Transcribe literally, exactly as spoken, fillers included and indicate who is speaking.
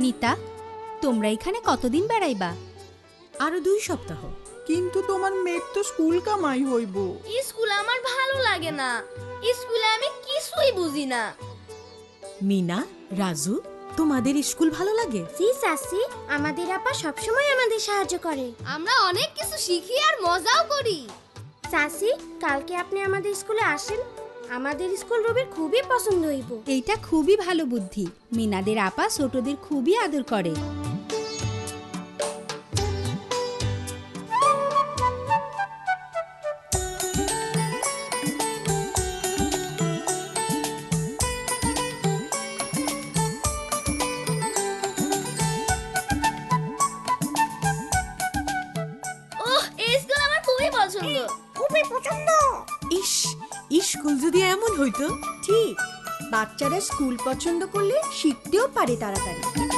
Speaker 1: মিতা, তোমরা এখানে কতদিন বেড়াইবা?
Speaker 2: আরো দুই সপ্তাহ।
Speaker 3: কিন্তু তোমার মেয়ের তো স্কুল কামাই হইব।
Speaker 4: স্কুল আমার ভালো লাগে না, স্কুলে আমি কিছুই বুঝি না।
Speaker 2: মিনা, রাজু, তোমাদের স্কুল ভালো লাগে?
Speaker 5: জি চাচি, আমাদের আপা সবসময় আমাদের সাহায্য করে।
Speaker 4: আমরা অনেক কিছু শিখি আর মজাও করি।
Speaker 5: চাচি, কালকে আপনি আমাদের স্কুলে আসেন, আমাদের স্কুল রবির খুবই পছন্দ হইব।
Speaker 1: এইটা খুবই ভালো বুদ্ধি। মিনাদের আপা ছোটদের খুবই আদর করে।
Speaker 4: ওহ, এই স্কুল আমার খুবই পছন্দ।
Speaker 5: খুবই পছন্দ।
Speaker 2: ইস, স্কুল যদি এমন হইতো।
Speaker 6: ঠিক, বাচ্চারা স্কুল পছন্দ করলে শিখতেও পারে তাড়াতাড়ি।